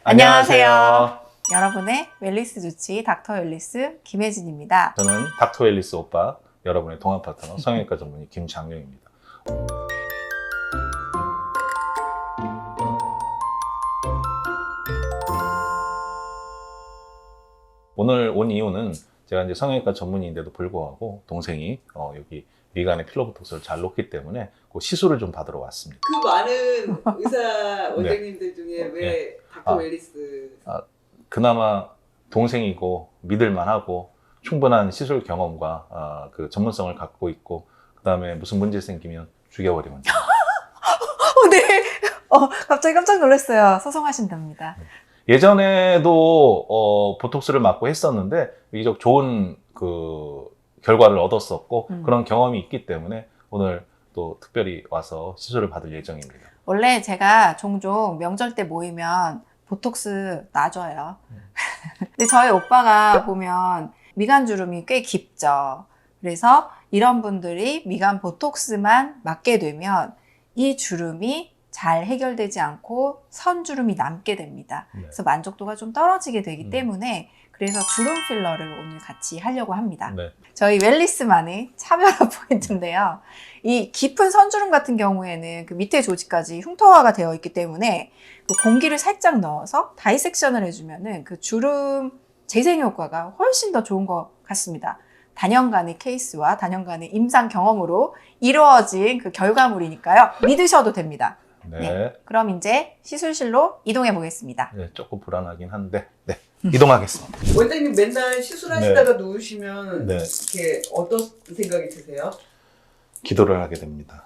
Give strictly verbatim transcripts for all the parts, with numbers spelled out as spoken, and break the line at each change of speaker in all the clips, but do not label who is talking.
안녕하세요.
여러분의 웰리스 주치 닥터 웰리스 김혜진입니다.
저는 닥터 웰리스 오빠, 여러분의 동안 파트너 성형외과 전문의 김장룡입니다. 오늘 온 이유는 제가 이제 성형외과 전문의인데도 불구하고 동생이 어, 여기 미간에 필러보톡스를 잘 놓기 때문에 그 시술을 좀 받으러 왔습니다.
그 많은 의사 원장님들 중에 왜
네.
닥터
아.
웰리스?
그나마 동생이고 믿을만하고 충분한 시술 경험과 어, 그 전문성을 갖고 있고 그 다음에 무슨 문제 생기면 죽여버리면 돼요.
어, 네. 어, 갑자기 깜짝 놀랐어요. 소송하신답니다.
예전에도 어, 보톡스를 맞고 했었는데 비교적 좋은 그 결과를 얻었었고
음.
그런 경험이 있기 때문에 오늘 또 특별히 와서 시술을 받을 예정입니다.
원래 제가 종종 명절 때 모이면 보톡스 놔줘요.
음.
근데 저희 오빠가 보면 미간 주름이 꽤 깊죠. 그래서 이런 분들이 미간 보톡스만 맞게 되면 이 주름이 잘 해결되지 않고 선주름이 남게 됩니다.
네.
그래서 만족도가 좀 떨어지게 되기
음.
때문에 그래서 주름 필러를 오늘 같이 하려고 합니다.
네.
저희 웰리스만의 차별화 포인트인데요. 이 깊은 선주름 같은 경우에는 그 밑에 조직까지 흉터화가 되어 있기 때문에 그 공기를 살짝 넣어서 다이섹션을 해주면은 그 주름 재생 효과가 훨씬 더 좋은 것 같습니다. 단연간의 케이스와 단연간의 임상 경험으로 이루어진 그 결과물이니까요. 믿으셔도 됩니다.
네.
네. 그럼 이제 시술실로 이동해 보겠습니다.
네, 조금 불안하긴 한데 네, 이동하겠습니다.
원장님 맨날 시술하시다가 누우시면
네.
이렇게 어떤 생각이 드세요?
기도를 하게 됩니다.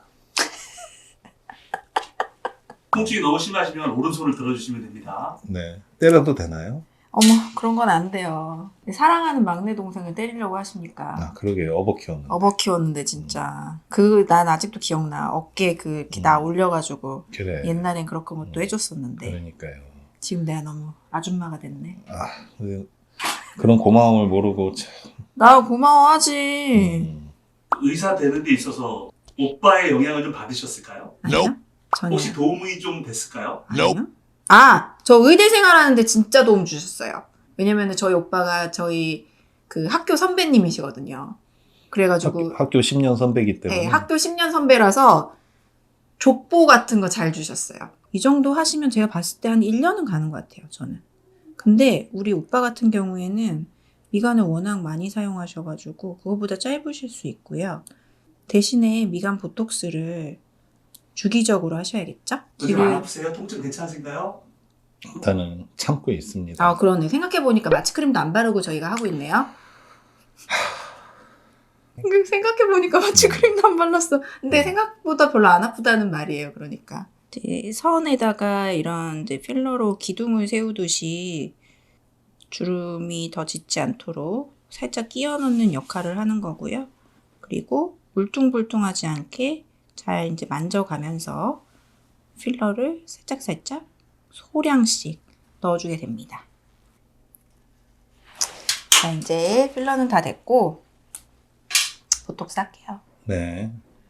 통증이 너무 심하시면 오른손을 들어주시면 됩니다.
네. 때려도 되나요?
어머, 그런 건 안 돼요. 사랑하는 막내 동생을 때리려고 하십니까?
아, 그러게요. 어버 키웠는데.
어버 키웠는데 진짜 그 난 아직도 기억나. 어깨 그 이렇게 나
음.
올려가지고
그래.
옛날엔 그렇게 뭐 또
음.
해줬었는데
그러니까요.
지금 내가 너무 아줌마가 됐네.
아, 그- 그런 고마움을 모르고 참.
나 고마워하지.
음.
의사 되는 데 있어서 오빠의 영향을 좀 받으셨을까요?
아니요? 전혀.
혹시 도움이 좀 됐을까요?
아니요? 아, 저 의대 생활하는데 진짜 도움 주셨어요. 왜냐면 저희 오빠가 저희 그 학교 선배님이시거든요. 그래가지고
학교, 학교 십 년 선배기 때문에.
네, 학교 십 년 선배라서 족보 같은 거 잘 주셨어요. 이 정도 하시면 제가 봤을 때 한 일 년은 가는 것 같아요, 저는. 근데 우리 오빠 같은 경우에는 미간을 워낙 많이 사용하셔가지고 그거보다 짧으실 수 있고요. 대신에 미간 보톡스를 주기적으로 하셔야겠죠?
요즘 안 아프세요? 통증 괜찮으신가요?
일단은 참고 있습니다.
아, 그러네. 생각해보니까 마취크림도 안 바르고 저희가 하고 있네요. 생각해보니까 마취크림도 안 발랐어. 근데 생각보다 별로 안 아프다는 말이에요. 그러니까. 선에다가 이런 이제 필러로 기둥을 세우듯이 주름이 더 짙지 않도록 살짝 끼워 넣는 역할을 하는 거고요. 그리고 울퉁불퉁하지 않게 잘 이제 만져가면서 필러를 살짝살짝 소량씩 넣어주게 됩니다. 자, 이제 필러는 다 됐고 보톡스 할게요.
네.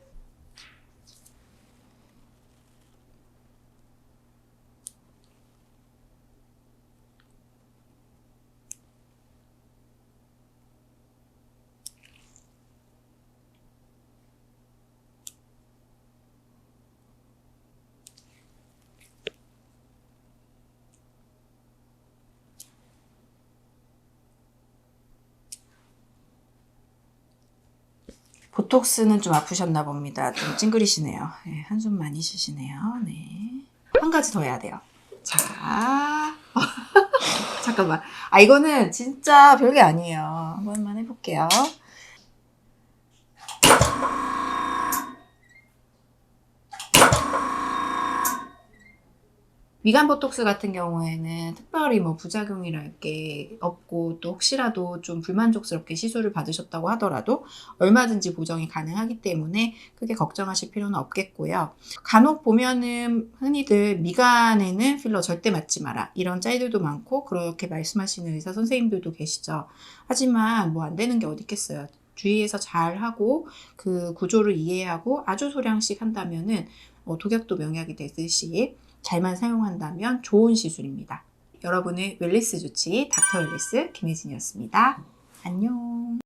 보톡스는 좀 아프셨나 봅니다. 좀 찡그리시네요. 네, 한숨 많이 쉬시네요. 네. 한 가지 더 해야 돼요. 자. 잠깐만. 아, 이거는 진짜 별게 아니에요. 한 번만 해볼게요. 미간 보톡스 같은 경우에는 특별히 뭐 부작용이랄 게 없고 또 혹시라도 좀 불만족스럽게 시술을 받으셨다고 하더라도 얼마든지 보정이 가능하기 때문에 크게 걱정하실 필요는 없겠고요. 간혹 보면은 흔히들 미간에는 필러 절대 맞지 마라 이런 짤들도 많고 그렇게 말씀하시는 의사 선생님들도 계시죠. 하지만 뭐 안 되는 게 어디 있겠어요. 주의해서 잘 하고 그 구조를 이해하고 아주 소량씩 한다면은 어, 독약도 명약이 되듯이 잘만 사용한다면 좋은 시술입니다. 여러분의 웰리스 주치 닥터 웰리스 김혜진이었습니다. 안녕.